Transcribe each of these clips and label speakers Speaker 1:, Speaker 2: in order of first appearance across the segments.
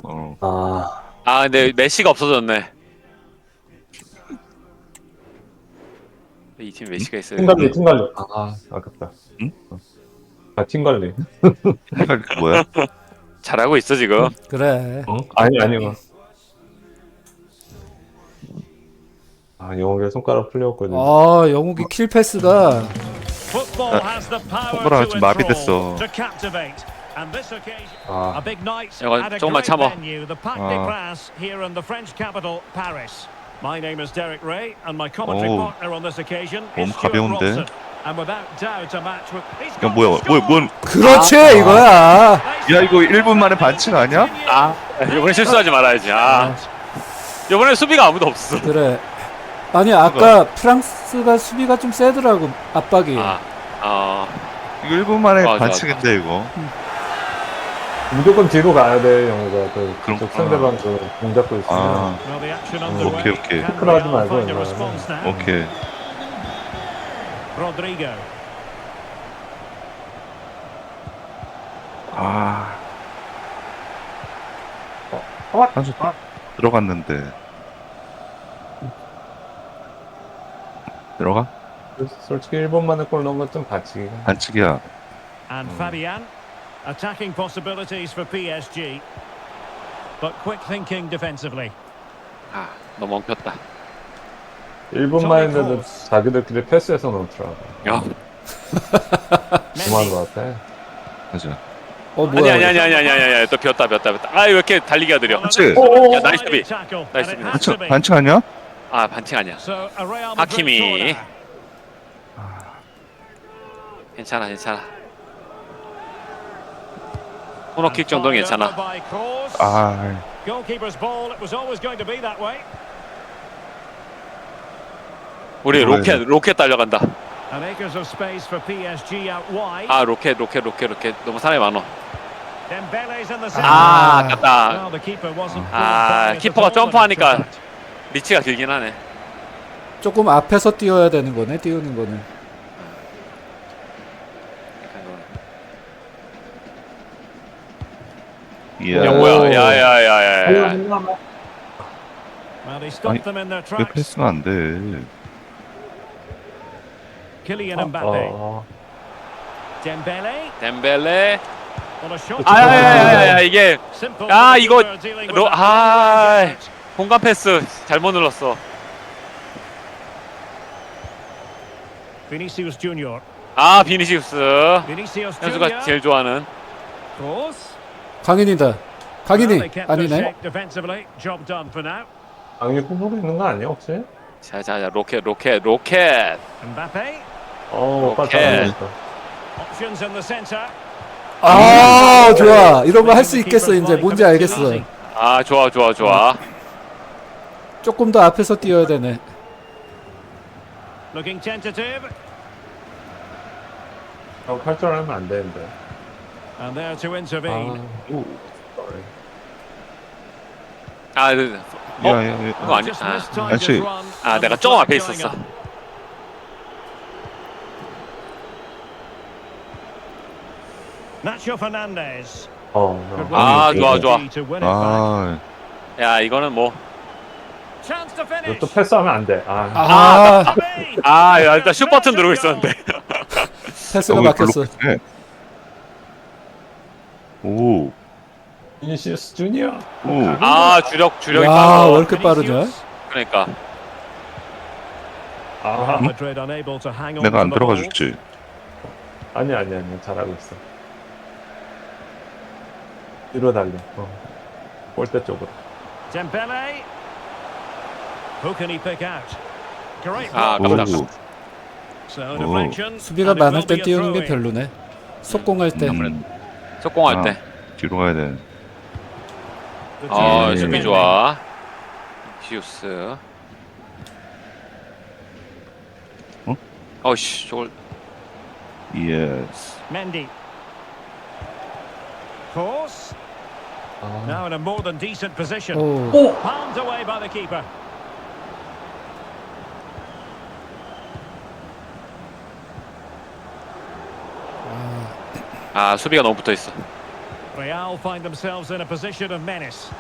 Speaker 1: 어.
Speaker 2: 아 근데 메시가 없어졌네. 이 팀 메시가 있어야
Speaker 3: 팀관리,
Speaker 2: 되는데.
Speaker 3: 팀관리. 아깝다.
Speaker 1: 응?
Speaker 3: 팀관리.
Speaker 1: 생각이 뭐야?
Speaker 2: 잘하고 있어 지금.
Speaker 4: 그래.
Speaker 3: 아니요. 영웅의 손가락 풀렸거든.
Speaker 4: 영욱이 킬 패스가
Speaker 1: 손가락 지금 마비됐어.
Speaker 2: 이건 조금만 참어.
Speaker 5: My name is Derek Ray, and my commentary
Speaker 1: 오.
Speaker 5: partner on this occasion
Speaker 1: 너무
Speaker 5: is Stuart
Speaker 1: 가벼운데?
Speaker 5: Robson. And without doubt, a match with. He's
Speaker 1: 야
Speaker 5: got
Speaker 1: 뭐야?
Speaker 5: to score!
Speaker 1: 뭔?
Speaker 4: 그렇지 이거야.
Speaker 1: 야 이거 1분 만에 반칙 아니야?
Speaker 2: 아 이번에 실수하지 말아야지. 이번에 수비가 아무도 없어.
Speaker 4: 그래. 아니 아까 프랑스가 수비가 좀 세더라고 압박이.
Speaker 1: 이거 1분 만에
Speaker 2: 맞아,
Speaker 1: 반칙인데 이거.
Speaker 3: 무조건 뒤로 가야 돼, 영웅아.
Speaker 1: 그럼-
Speaker 3: 그쪽 상대방 공 잡고 있으면.
Speaker 5: Well, the action underway.
Speaker 1: 오케이, 오케이.
Speaker 5: Can
Speaker 3: 크로하지
Speaker 5: Real
Speaker 3: 말고,
Speaker 5: find a
Speaker 3: 이거는.
Speaker 5: response now?
Speaker 1: 오케이.
Speaker 5: Rodrigo.
Speaker 1: 한수 들어갔는데. 들어가?
Speaker 3: 솔직히 1번 만에 골 넣은 건 좀 반칙이야.
Speaker 1: 반칙이야.
Speaker 5: And Fabian. Attacking possibilities for PSG. But quick thinking defensively.
Speaker 2: 너무 엉켰다.
Speaker 3: 1번 만에 했는데 자기들끼리 패스해서 넣더라고.
Speaker 2: 야.
Speaker 3: 그만 것 같아.
Speaker 1: 맞아.
Speaker 4: 뭐야?
Speaker 2: 아니 또 비었다. 아 왜 이렇게 달리기가 느려?
Speaker 1: 그렇지.
Speaker 2: 야, 나이스 수비. 나이스 수비.
Speaker 1: 반칙 아니야?
Speaker 2: 아 반칙 아니야.
Speaker 5: So a Real Madrid
Speaker 2: 하키미.
Speaker 5: corner.
Speaker 2: 괜찮아. 코너킥 정도는
Speaker 5: Fired over
Speaker 2: 괜찮아.
Speaker 5: by Kroos. Goalkeeper's ball. It was always going to be that way.
Speaker 2: 우리 로켓 달려간다.
Speaker 5: And acres of space for PSG out wide.
Speaker 2: 로켓. 너무 사람이 많어.
Speaker 5: Dembele's in the center.
Speaker 2: 아깝다.
Speaker 5: Well, the keeper wasn't fooled by it
Speaker 2: 키퍼가
Speaker 5: at all,
Speaker 2: 점프하니까
Speaker 5: in fact.
Speaker 2: 리치가 길긴 하네.
Speaker 4: 조금 앞에서 뛰어야 되는 거네. 띄우는 거는.
Speaker 1: 이야.
Speaker 2: 야 뭐야? 야야야야.
Speaker 5: Well, he stopped them in their
Speaker 1: 왜
Speaker 5: tracks.
Speaker 1: 패스가 안 돼?
Speaker 5: Kylian Mbappe. Dembele.
Speaker 2: 덴벨레.
Speaker 5: On a shot.
Speaker 2: 아야야야야 이게
Speaker 5: Simple
Speaker 2: 아,
Speaker 5: for the
Speaker 2: 이거
Speaker 5: keeper dealing with
Speaker 2: 로-
Speaker 5: that
Speaker 2: 아.
Speaker 5: gadget.
Speaker 2: 공간 패스 잘못 눌렀어.
Speaker 5: Vinicius Junior.
Speaker 2: 비니시우스.
Speaker 5: Vinicius
Speaker 2: 현수가
Speaker 5: Junior.
Speaker 2: 제일 좋아하는.
Speaker 5: Kroos.
Speaker 4: 강인이다.
Speaker 5: Well,
Speaker 4: 강인이
Speaker 5: they kept their
Speaker 4: 아니네.
Speaker 5: shape defensively. Job done for now.
Speaker 3: 강이 후보로 있는 거 아니야, 혹시?
Speaker 2: 자 로켓.
Speaker 5: Mbappe.
Speaker 3: 오빠
Speaker 2: 오케이.
Speaker 3: 잘하겠다.
Speaker 5: Options in the centre.
Speaker 4: 좋아. 이런 거 할 수 있겠어 이제. 뭔지 알겠어.
Speaker 2: 좋아.
Speaker 4: 조금 더 앞에서 뛰어야 되네.
Speaker 5: Looking tentative.
Speaker 3: 할줄 알면 안 되는데.
Speaker 5: And there to intervene.
Speaker 2: 그거 아니야.
Speaker 5: Just mistimed
Speaker 1: actually,
Speaker 5: his run.
Speaker 2: 내가
Speaker 5: And
Speaker 2: 조금 앞에
Speaker 5: the flag
Speaker 2: 있었어.
Speaker 5: going up. Nacho Fernandez. Good
Speaker 2: 아,
Speaker 5: work
Speaker 2: 좋아.
Speaker 5: to win it back.
Speaker 2: 야 이거는 뭐.
Speaker 5: Chance to finish.
Speaker 3: 또 패스하면 안 돼.
Speaker 2: 야 일단 슛 버튼 누르고 있었는데.
Speaker 4: 패스가 막혔어.
Speaker 1: 오.
Speaker 3: 비니시우스 주니어.
Speaker 2: 주력이
Speaker 4: 와,
Speaker 2: 빠져.
Speaker 4: 왜 이렇게 빠르냐?
Speaker 2: 그러니까.
Speaker 5: Real Madrid unable to hang on
Speaker 1: 내가 안
Speaker 5: to the
Speaker 1: 들어가
Speaker 5: ball.
Speaker 1: 줬지.
Speaker 3: 아니 잘하고 있어. 뒤로 달려. 골대 쪽으로.
Speaker 5: Dembele. Who can he pick out? Great
Speaker 2: 아깝다.
Speaker 5: block. So deflection.
Speaker 4: 수비가
Speaker 5: and it
Speaker 4: 많을
Speaker 5: will
Speaker 4: 때
Speaker 5: be a
Speaker 4: 띄우는 게
Speaker 5: throw-in.
Speaker 4: 별로네. 속공할 때.
Speaker 2: 속공할 때.
Speaker 1: 뒤로 가야 돼.
Speaker 5: Good chance.
Speaker 2: 수비 좋아. 비니시우스. 어이씨 저걸.
Speaker 1: 예스.
Speaker 5: Mendy. Kroos. Now in a more than decent position. Palmed away by the keeper.
Speaker 2: 수비가 너무 붙어 있어.
Speaker 5: Real find themselves in a position of menace.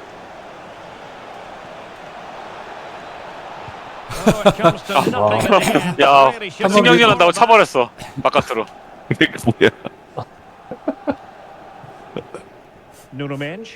Speaker 5: Oh, it comes to nothing in the end.
Speaker 2: 야,
Speaker 5: Really should have
Speaker 2: 신경질
Speaker 5: been
Speaker 2: 난다고
Speaker 5: more than
Speaker 2: 차버렸어. 바깥으로.
Speaker 1: 이게 뭐야?
Speaker 5: that. Nuno Mendes.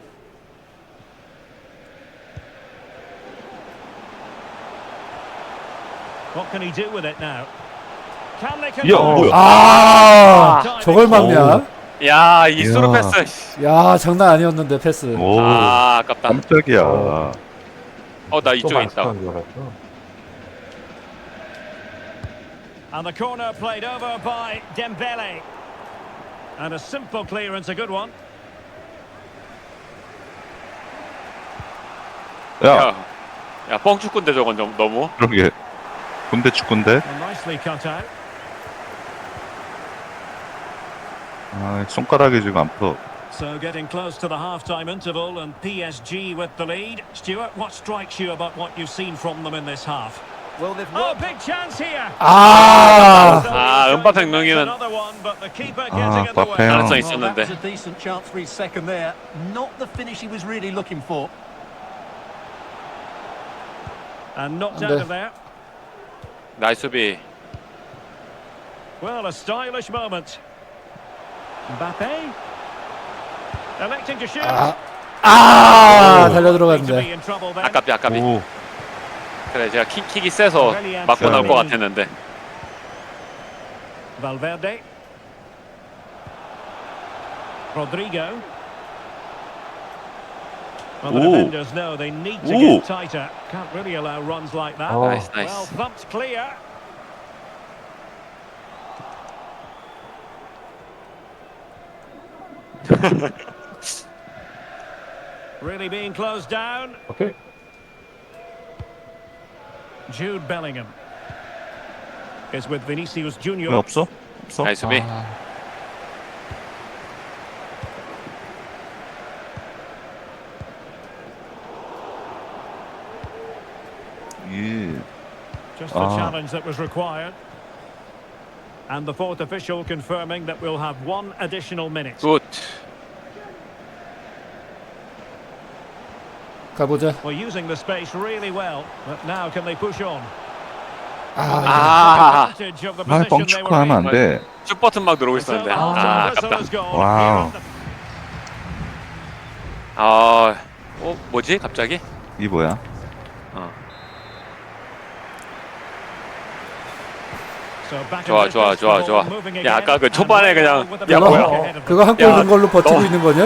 Speaker 5: What can he do with it now? Can they
Speaker 1: 야,
Speaker 5: convert?
Speaker 1: 뭐야?
Speaker 4: 아, 저걸 막냐?
Speaker 2: 야, 이수로
Speaker 1: 야.
Speaker 2: 패스.
Speaker 4: 야, 장난 아니었는데 패스.
Speaker 1: 오,
Speaker 2: 아, 아깝다.
Speaker 1: 깜짝이야.
Speaker 2: 나 이쪽에 있다.
Speaker 3: 안 줄 알았어.
Speaker 5: And the corner played over by Dembele. And a simple clearance, a good one.
Speaker 1: 야,
Speaker 2: 야, 뻥축구인데 저건 좀 너무.
Speaker 1: 그러게. 군대 축구인데?
Speaker 5: And nicely cut out.
Speaker 1: 아, 손가락이 지금 안 풀어.
Speaker 5: So getting close to the half-time interval and PSG with the lead. Stuart, what strikes you about what you've seen from them in this half?
Speaker 6: Well, they've
Speaker 5: Oh,
Speaker 6: worked
Speaker 5: big chance here.
Speaker 4: 아,
Speaker 2: 아, 은바페 명령이면
Speaker 5: Another one, but the keeper getting in the
Speaker 1: 바페
Speaker 5: way.
Speaker 1: 형.
Speaker 2: 가능성이
Speaker 6: well, that
Speaker 2: 있었는데.
Speaker 6: was a decent chance for his second there. Not the finish he was really looking for.
Speaker 5: And knocked
Speaker 4: 안
Speaker 5: out
Speaker 4: 돼.
Speaker 5: of there.
Speaker 2: 나이스 수비.
Speaker 5: Well, a stylish moment. Mbappe. Electing to shoot.
Speaker 4: 달려
Speaker 5: Need to be
Speaker 4: 들어갔는데.
Speaker 5: in trouble then.
Speaker 2: 아깝이 아깝이.
Speaker 1: 오,
Speaker 2: 그래, 제가 킥이 세서 맞고 나올 것 같았는데.
Speaker 5: Valverde. Rodrigo. Well, the
Speaker 1: Ooh.
Speaker 5: defenders know they need to
Speaker 1: Ooh.
Speaker 5: get tighter. Can't really allow runs like that.
Speaker 3: Oh.
Speaker 2: 나이스,
Speaker 5: Well,
Speaker 2: 나이스.
Speaker 5: thumped clear. Really being closed down.
Speaker 3: 오케이.
Speaker 5: Jude Bellingham is with Vinicius
Speaker 1: 왜
Speaker 5: Junior.
Speaker 1: 없어? 없어?
Speaker 2: 나이스 수비.
Speaker 1: 예.
Speaker 5: Just the challenge that was required. And the fourth official confirming that we'll have one additional minute.
Speaker 2: 굿.
Speaker 4: 가보자.
Speaker 5: Well, using the space really well, but now can they push on?
Speaker 2: 아,
Speaker 5: Advantage of the
Speaker 1: 아,
Speaker 5: position they
Speaker 1: 뻥축구
Speaker 5: were
Speaker 1: 하면
Speaker 5: in.
Speaker 1: 안 돼.
Speaker 2: 슛 버튼 막 누르고
Speaker 5: So
Speaker 2: 있었는데.
Speaker 5: the
Speaker 2: 아,
Speaker 5: whistle
Speaker 2: 아깝다.
Speaker 5: has gone.
Speaker 1: 와우.
Speaker 2: 뭐지? 갑자기?
Speaker 1: 이 뭐야?
Speaker 5: So back
Speaker 2: 좋아,
Speaker 5: in
Speaker 2: 좋아,
Speaker 5: business,
Speaker 2: 좋아,
Speaker 5: the
Speaker 2: 좋아.
Speaker 5: ball moving
Speaker 2: 야,
Speaker 5: again,
Speaker 2: 아까 그
Speaker 5: and
Speaker 2: 초반에
Speaker 5: Real
Speaker 2: 그냥-
Speaker 5: with the
Speaker 2: 야,
Speaker 5: ball
Speaker 2: 뭐야.
Speaker 5: ahead of them.
Speaker 4: 그거 한 골
Speaker 2: 야,
Speaker 4: 넣은 걸로 버티고 있는 거냐?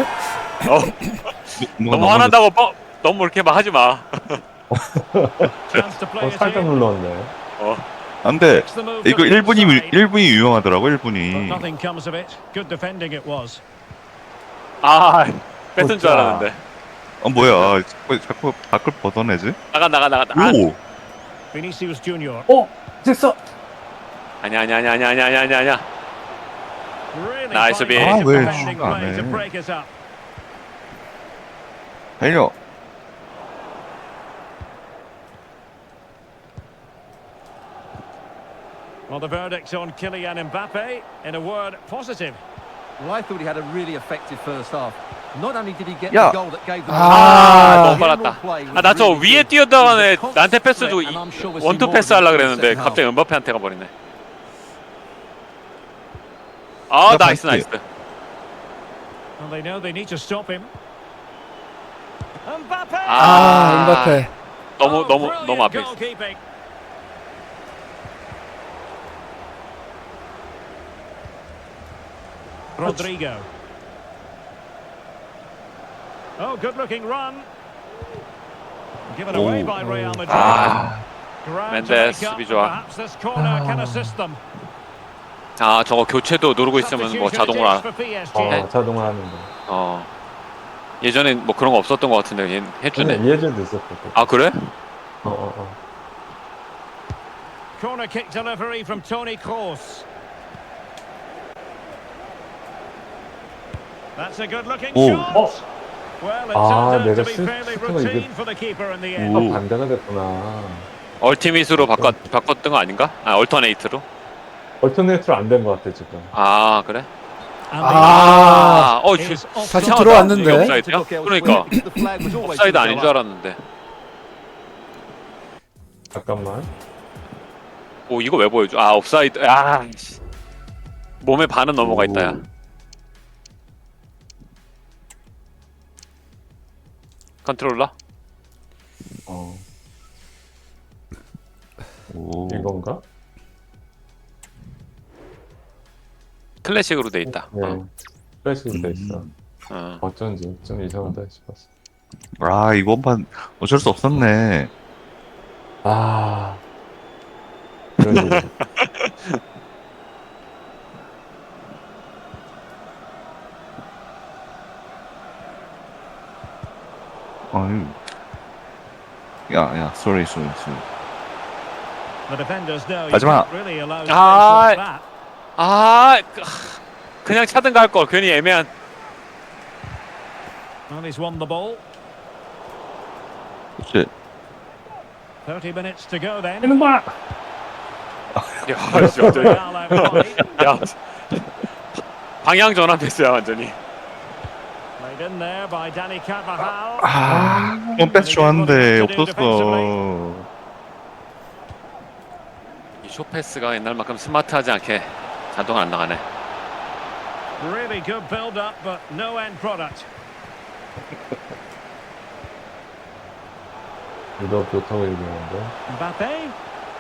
Speaker 2: 너무 화난다고 너무 이렇게 막 하지 마.
Speaker 5: Chance to play it
Speaker 3: 살짝
Speaker 5: in.
Speaker 3: 눌렀네.
Speaker 1: 안 돼.
Speaker 5: Makes the move
Speaker 1: 이거
Speaker 5: to the
Speaker 1: 1분이
Speaker 5: inside.
Speaker 1: 1분이 유용하더라고.
Speaker 5: But
Speaker 1: 1분이.
Speaker 5: nothing comes of it. Good defending it was.
Speaker 2: 아, 뺏은 줄 알았는데.
Speaker 1: 뭐야? 자꾸 밖을 벗어내지?
Speaker 2: 나가. 아,
Speaker 1: 오,
Speaker 5: Vinicius Junior.
Speaker 3: 됐어.
Speaker 2: 아니야.
Speaker 5: Really
Speaker 2: Nice
Speaker 5: fine
Speaker 2: to be-
Speaker 5: piece of
Speaker 1: 왜
Speaker 5: defending
Speaker 1: 슛 안
Speaker 5: play to
Speaker 1: 해?
Speaker 5: break it up.
Speaker 1: 달려.
Speaker 5: Well, the verdict on Kylian Mbappe, in a word, positive.
Speaker 6: Well, I thought he had a really effective first half. Not only did he get
Speaker 1: 야.
Speaker 6: the goal that gave them
Speaker 2: 너무
Speaker 6: the
Speaker 2: 빨랐다.
Speaker 6: play was
Speaker 2: 아, 나 저
Speaker 6: really
Speaker 2: 위에
Speaker 6: good.
Speaker 2: 뛰어다가는 애
Speaker 6: Constant
Speaker 2: 나한테 패스 주고
Speaker 6: threat, and I'm sure we'll see
Speaker 2: 원투
Speaker 6: more
Speaker 2: 패스
Speaker 6: of
Speaker 2: 하려고
Speaker 6: it in the
Speaker 2: 그랬는데
Speaker 6: second half.
Speaker 2: 갑자기 은바페한테 가버리네. 아,
Speaker 1: 야,
Speaker 2: 나이스.
Speaker 5: And they know they need to stop him. Mbappe!
Speaker 4: 은바페.
Speaker 2: 너무
Speaker 5: brilliant
Speaker 2: 앞에 있어.
Speaker 5: goalkeeping. Rodrigo. Oh, good-looking run. Given away by Real Madrid. Ground to
Speaker 2: Mendes,
Speaker 5: make up,
Speaker 2: 수비 좋아.
Speaker 5: perhaps this corner can assist them.
Speaker 2: 아, 저거 교체도 누르고 있으면 뭐 자동으로 안.
Speaker 5: For PSG.
Speaker 3: 자동으로 하는데.
Speaker 2: 예전엔 뭐 그런 거 없었던 것 같은데 얘 해주네.
Speaker 3: 예전도 있었고.
Speaker 2: 아, 그래?
Speaker 5: Corner kick delivery from Toni Kroos. That's a good-looking
Speaker 1: 오.
Speaker 5: shot. Well, it
Speaker 3: 아,
Speaker 5: turned out
Speaker 3: 내가
Speaker 5: to be fairly
Speaker 3: 슈팅을 이게-
Speaker 5: routine for the keeper in the end.
Speaker 1: 오.
Speaker 3: 반대가 됐구나.
Speaker 2: 얼티밋으로 바꿨던 거 아닌가? 아, 얼터네이트로?
Speaker 3: 얼터네이트로 안 된 것 같아 지금.
Speaker 2: 아, 그래?
Speaker 6: And
Speaker 4: 아,
Speaker 2: 어,
Speaker 6: is
Speaker 4: 다시
Speaker 6: offside.
Speaker 4: 들어왔는데.
Speaker 2: 이게 옵사이드야? 그러니까
Speaker 6: The flag was always
Speaker 2: 옵사이드
Speaker 6: to
Speaker 2: 아닌
Speaker 6: go
Speaker 2: 줄
Speaker 6: up.
Speaker 2: 알았는데.
Speaker 3: 잠깐만.
Speaker 2: 오, 이거 왜 보여줘? 아, 옵사이드. 아, 씨. 몸에 반은 넘어가 있다, 야. 컨트롤러?
Speaker 3: 어,
Speaker 1: 오.
Speaker 3: 이건가?
Speaker 2: 클래식으로 돼 있다.
Speaker 3: 네. 플래시로 돼 있어.
Speaker 2: 어.
Speaker 3: 어쩐지 좀 이상하다 싶었어.
Speaker 1: 아, 이번판 어쩔 수 없었네.
Speaker 3: 아, 그런 일.
Speaker 1: 아유. 야, sorry.
Speaker 5: The defenders know you
Speaker 1: 하지마.
Speaker 5: can't really allow space
Speaker 2: 아,
Speaker 5: like that.
Speaker 2: 아, 그냥 차든가 할 걸. 괜히 애매한.
Speaker 5: And he's won the ball.
Speaker 1: 그치.
Speaker 5: 30 minutes to go then.
Speaker 3: 이놈아!
Speaker 2: 야, 진짜.
Speaker 5: Real out wide.
Speaker 2: 야, 방향 전환 됐어요, 완전히.
Speaker 5: Played in there by Danny Carvajal.
Speaker 1: 아, 이번 패스 좋았는데 없었어.
Speaker 2: 이 쇼패스가 옛날만큼 스마트하지 않게 자동 안 나가네.
Speaker 5: Really good build-up, but no end product.
Speaker 3: 유럽 좋다고 얘기하는데.
Speaker 5: Mbappe.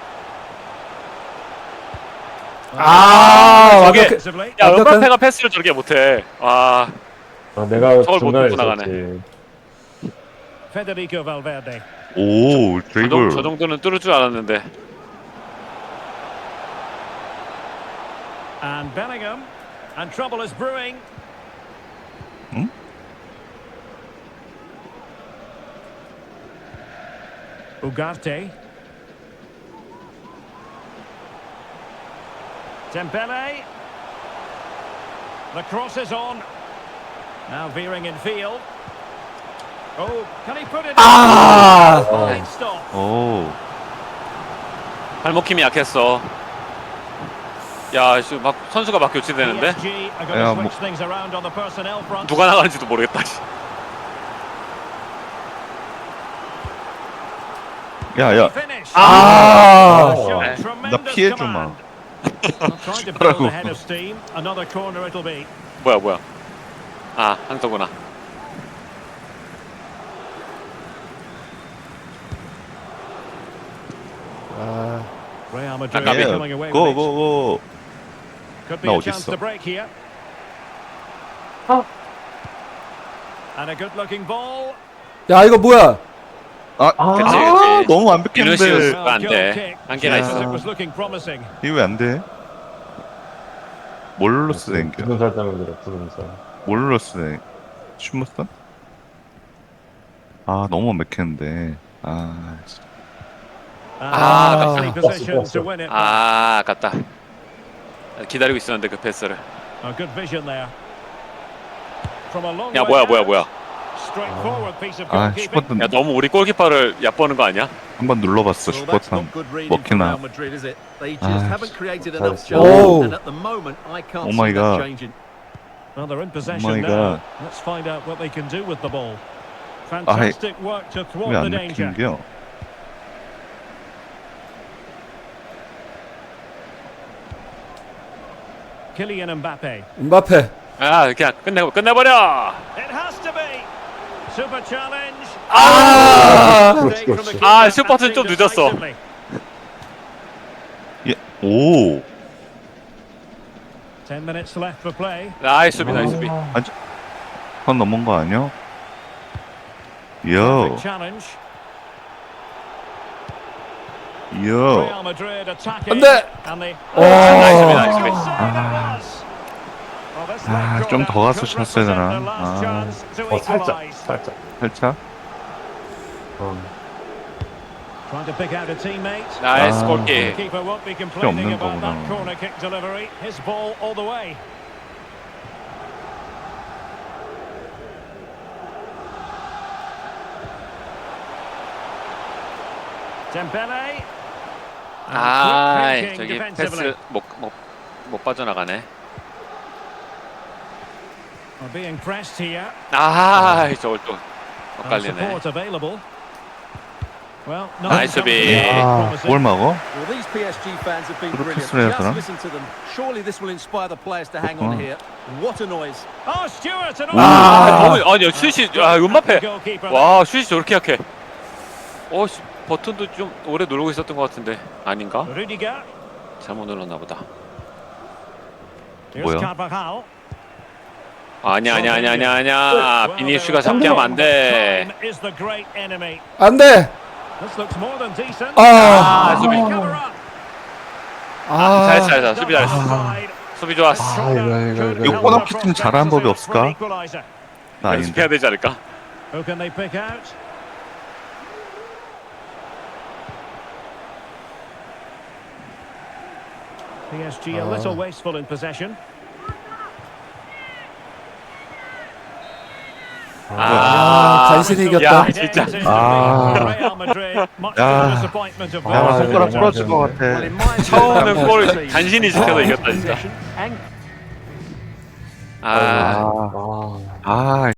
Speaker 4: 아,
Speaker 2: 저게-
Speaker 4: 완벽해.
Speaker 5: Defensively.
Speaker 2: 야,
Speaker 4: 완벽한-
Speaker 2: 은바페가 패스를 저렇게 못해. 와,
Speaker 3: 아, 내가
Speaker 2: 저걸 못
Speaker 3: 중간에
Speaker 2: 듣고 나가네.
Speaker 3: 있었지.
Speaker 5: Federico Valverde.
Speaker 1: 오, 드리블.
Speaker 2: 저 정도는 뚫을 줄 알았는데.
Speaker 5: And Bellingham. And trouble is brewing.
Speaker 1: 응?
Speaker 5: Ugarte. Dembele. The cross is on. Now veering in field. Oh, can he put it in?
Speaker 4: 아,
Speaker 5: Fine stop.
Speaker 1: 오.
Speaker 2: 발목 힘이 약했어. 야, 씨, 막 선수가 막 교체되는데
Speaker 5: PSG are going
Speaker 1: 야,
Speaker 5: to
Speaker 1: 뭐-
Speaker 5: switch things around on the personnel front.
Speaker 2: 누가 나가는지도 모르겠다. 씨.
Speaker 1: 야.
Speaker 5: Finish.
Speaker 4: 아,
Speaker 5: Shot,
Speaker 3: 나
Speaker 5: tremendous
Speaker 1: 피해 좀
Speaker 5: command.
Speaker 1: 마.
Speaker 5: Trying to build ahead of steam. Another corner it'll be.
Speaker 2: 뭐야. 아, 항서구나.
Speaker 4: 아,
Speaker 5: Real Madrid
Speaker 2: Gabi.
Speaker 5: coming away with
Speaker 1: 고,
Speaker 5: it.
Speaker 1: 고, 고.
Speaker 5: Could be
Speaker 1: 나
Speaker 5: a
Speaker 1: 어디
Speaker 5: chance
Speaker 1: 있어?
Speaker 5: to break here. And a good-looking ball.
Speaker 4: 야, 이거 뭐야?
Speaker 2: 그치.
Speaker 1: 너무
Speaker 2: 비누시우스.
Speaker 1: 완벽했는데.
Speaker 2: 안
Speaker 5: Goal
Speaker 2: 돼.
Speaker 5: kick.
Speaker 2: 한계가
Speaker 5: Yes,
Speaker 2: 있어.
Speaker 5: it was looking promising.
Speaker 1: 이거 왜 안 돼? 뭘로 쓰댕겨?
Speaker 3: 푸른 살 때문에 그래, 푸른 살.
Speaker 1: 뭘로 쓰댕? 슈머선? 아, 너무 완벽했는데. 아, 진짜.
Speaker 5: And
Speaker 2: Ah,
Speaker 5: nicely
Speaker 3: that's-
Speaker 5: positioned to win it. back.
Speaker 2: 아, 아깝다. 기다리고 있었는데 그 패스를.
Speaker 5: A good vision there. From a long
Speaker 2: 야,
Speaker 5: way
Speaker 2: 뭐야.
Speaker 5: out. Straightforward piece of
Speaker 1: 아,
Speaker 5: goalkeeping.
Speaker 1: 슈퍼턴
Speaker 2: 야, 너무 우리 골키퍼를 얕보는 거 아니야?
Speaker 1: 한번 눌러봤어,
Speaker 6: Well, that's
Speaker 1: 슈퍼턴.
Speaker 6: not good reading from
Speaker 1: 먹히나.
Speaker 6: Real Madrid, is it? They just
Speaker 1: Ah,
Speaker 6: haven't created enough
Speaker 3: that's-
Speaker 6: chances,
Speaker 4: Oh.
Speaker 6: and at the moment, I can't
Speaker 1: Oh my
Speaker 6: see that
Speaker 1: God.
Speaker 6: changing.
Speaker 5: Well, they're in possession
Speaker 1: my
Speaker 5: now.
Speaker 1: God.
Speaker 5: Let's find out what they can do with the ball. Fantastic work to thwart the
Speaker 1: 왜안
Speaker 5: danger.
Speaker 1: 먹힌겨?
Speaker 5: Kylian Mbappe.
Speaker 4: 음바페.
Speaker 2: 아, 그냥 끝내버려.
Speaker 5: It has to be. Super challenge.
Speaker 4: 아,
Speaker 3: 그렇지, 그렇지.
Speaker 2: 아, 슈퍼튼 좀 늦었어.
Speaker 1: 예, 오.
Speaker 5: 10 minutes left for play.
Speaker 2: 나이스 수비.
Speaker 1: 선 넘은 거 아니야? 요,
Speaker 5: Perfect challenge.
Speaker 1: 요.
Speaker 5: Real Madrid attacking.
Speaker 4: 안 돼.
Speaker 5: And they...
Speaker 2: 나이스 수비.
Speaker 1: 아, 좀더 가서 쳤어야 되나? 아.
Speaker 3: 살짝, 살짝.
Speaker 1: 살짝?
Speaker 5: Trying to pick out a teammate.
Speaker 2: 나이스
Speaker 1: 아.
Speaker 2: 골킥.
Speaker 5: The keeper won't be complaining
Speaker 1: 없는
Speaker 5: about that
Speaker 1: 거구나.
Speaker 5: corner kick delivery. His ball all the way. Dembele. And
Speaker 2: 아,
Speaker 5: quick thinking
Speaker 2: 저기
Speaker 5: defensively.
Speaker 2: 패스 못 빠져나가네.
Speaker 5: Are being pressed here.
Speaker 2: 저걸 또
Speaker 5: And
Speaker 2: 엇갈리네.
Speaker 5: support available. Well,
Speaker 2: Nice
Speaker 5: nothing
Speaker 2: to be-
Speaker 5: comes of it.
Speaker 1: 아,
Speaker 5: Promising.
Speaker 1: 뭘 막어?
Speaker 6: Well, these PSG fans have been
Speaker 1: 그렇게
Speaker 6: brilliant.
Speaker 1: 수련했더라?
Speaker 6: Just listen to them. Surely this will inspire the players to hang on
Speaker 1: 그렇구나.
Speaker 6: here. What a noise.
Speaker 5: Oh, Stewart and
Speaker 2: 아니 슛이 음바페.
Speaker 5: goalkeeper.
Speaker 2: 와 슛이 저렇게 약해. 버튼도 좀 오래 누르고 있었던 것 같은데 아닌가?
Speaker 5: Rudiger.
Speaker 2: 잘못 눌렀나 보다.
Speaker 5: Here's
Speaker 1: 뭐야?
Speaker 5: Carvajal.
Speaker 2: 아니야. 비니슈가 잡게 하면 안 돼.
Speaker 5: Time is the great enemy.
Speaker 4: 안 돼!
Speaker 5: This looks more than decent.
Speaker 2: 수비.
Speaker 5: Cover up.
Speaker 2: 잘했어. 수비 잘했어.
Speaker 5: Offside.
Speaker 2: 수비 좋았어.
Speaker 1: 이거 코너킥 잘하는 법이 없을까? 나
Speaker 2: 연습해야
Speaker 1: 아닌데.
Speaker 2: 되지 않을까?
Speaker 5: Who can they pick out? PSG a little wasteful in possession.
Speaker 4: 간신히 이겼다.
Speaker 2: 야, 진짜.
Speaker 5: Real Madrid, much to the
Speaker 1: 야.
Speaker 5: disappointment of
Speaker 1: 야,
Speaker 5: those.
Speaker 1: 손가락 부러질 것 같아.
Speaker 6: Well, in my
Speaker 2: 처음에
Speaker 6: opinion,
Speaker 2: 골
Speaker 6: the
Speaker 2: 간신히 지켜서 이겼다 진짜.
Speaker 6: possession and
Speaker 2: 아,
Speaker 3: 아.
Speaker 1: 아,